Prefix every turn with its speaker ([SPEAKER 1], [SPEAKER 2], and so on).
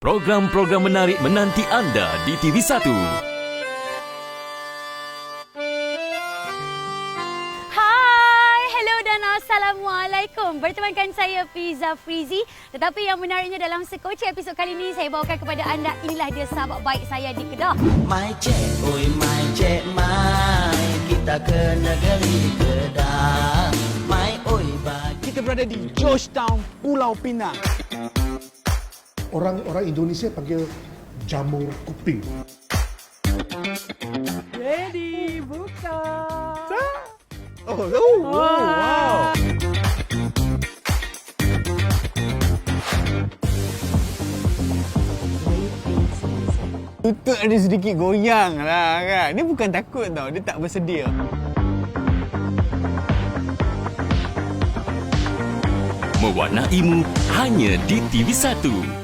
[SPEAKER 1] Program-program menarik menanti anda di TV1.
[SPEAKER 2] Hai, hello dan Assalamualaikum. Bertemankan saya Fiza Frizi. Tetapi yang menariknya dalam sekoci episod kali ini, saya bawakan kepada anda, inilah dia sahabat baik saya di Kedah.
[SPEAKER 3] My cek, oi my cek, my. Kita ke negeri Kedah. My oi bagi.
[SPEAKER 4] Kita berada di Georgetown, Pulau Pinang.
[SPEAKER 5] Orang Indonesia panggil jamur kuping.
[SPEAKER 2] Ready, buka.
[SPEAKER 4] Wow. Tutut ada sedikit goyang lah kan. Dia bukan takut tau, dia tak bersedia.
[SPEAKER 1] Mewarnaimu hanya di TV1.